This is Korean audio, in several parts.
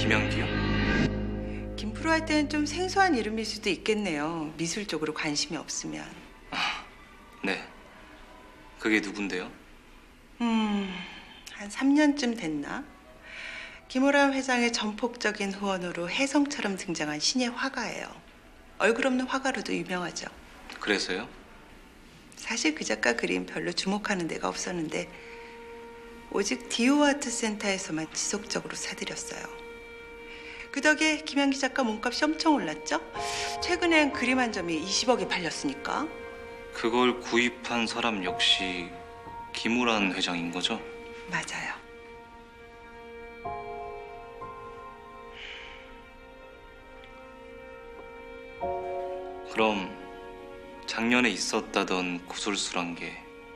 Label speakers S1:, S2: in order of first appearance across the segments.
S1: 김연기요?
S2: 김프로 할 때는 좀 생소한 이름일 수도 있겠네요. 미술 쪽으로 관심이 없으면.
S1: 네. 그게 누군데요?
S2: 한 3년쯤 됐나? 김호람 회장의 전폭적인 후원으로 혜성처럼 등장한 신예 화가예요. 얼굴 없는 화가로도 유명하죠.
S1: 그래서요?
S2: 사실 그 작가 그림 별로 주목하는 데가 없었는데 오직 디오아트 센터에서만 지속적으로 사들였어요. 그 덕에 김연기 작가 몸값이 엄청 올랐죠? 최근엔 그림 한 점이 20억에 팔렸으니까.
S1: 그걸 구입한 사람 역시 김우란 회장인 거죠?
S2: 맞아요.
S1: 그럼 작년에 있었다던 구술수란 게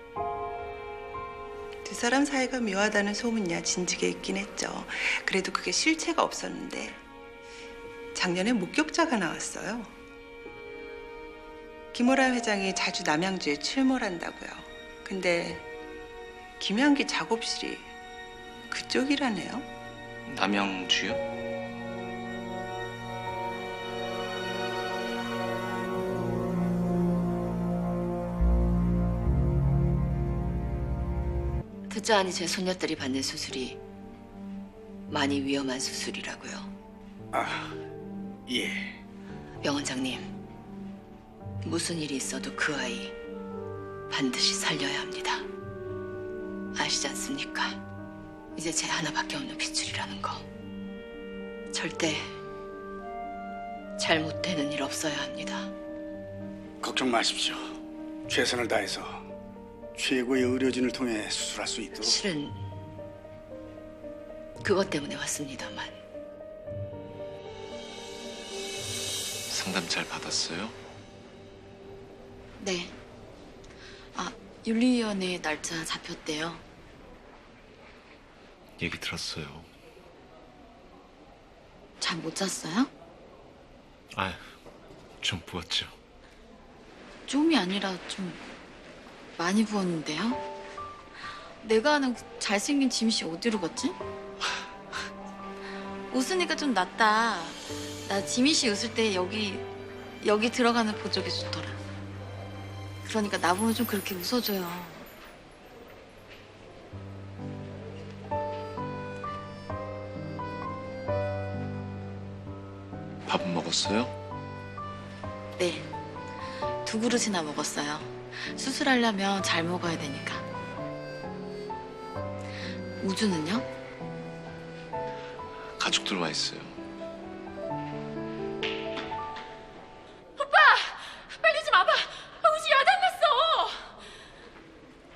S2: 두 사람 사이가 묘하다는 소문이야 진즉에 있긴 했죠. 그래도 그게 실체가 없었는데 작년에 목격자가 나왔어요. 김호란 회장이 자주 남양주에 출몰한다고요. 근데 김연기 작업실이 그쪽이라네요.
S1: 남양주요?
S3: 듣자 하니 제 손녀딸이 받는 수술이 많이 위험한 수술이라고요.
S4: 아, 예.
S3: 명 원장님, 무슨 일이 있어도 그 아이 반드시 살려야 합니다. 아시지 않습니까? 이제 제 하나밖에 없는 핏줄이라는 거. 절대 잘못되는 일 없어야 합니다.
S4: 걱정 마십시오. 최선을 다해서 최고의 의료진을 통해 수술할 수 있도록.
S3: 실은 그것 때문에 왔습니다만.
S5: 상담 잘 받았어요?
S6: 네. 윤리위원회 날짜 잡혔대요.
S5: 얘기 들었어요.
S6: 잠 못 잤어요?
S5: 아휴, 좀 부었죠.
S6: 좀이 아니라 좀 많이 부었는데요? 내가 아는 그 잘생긴 지민 씨 어디로 갔지? 웃으니까 좀 낫다. 나 지민 씨 웃을 때 여기 들어가는 보조개 좋더라. 그러니까 나보면 좀 그렇게 웃어줘요.
S5: 밥은 먹었어요?
S6: 네. 2그릇이나 먹었어요. 수술하려면 잘 먹어야 되니까. 우주는요?
S5: 가족들 와 있어요.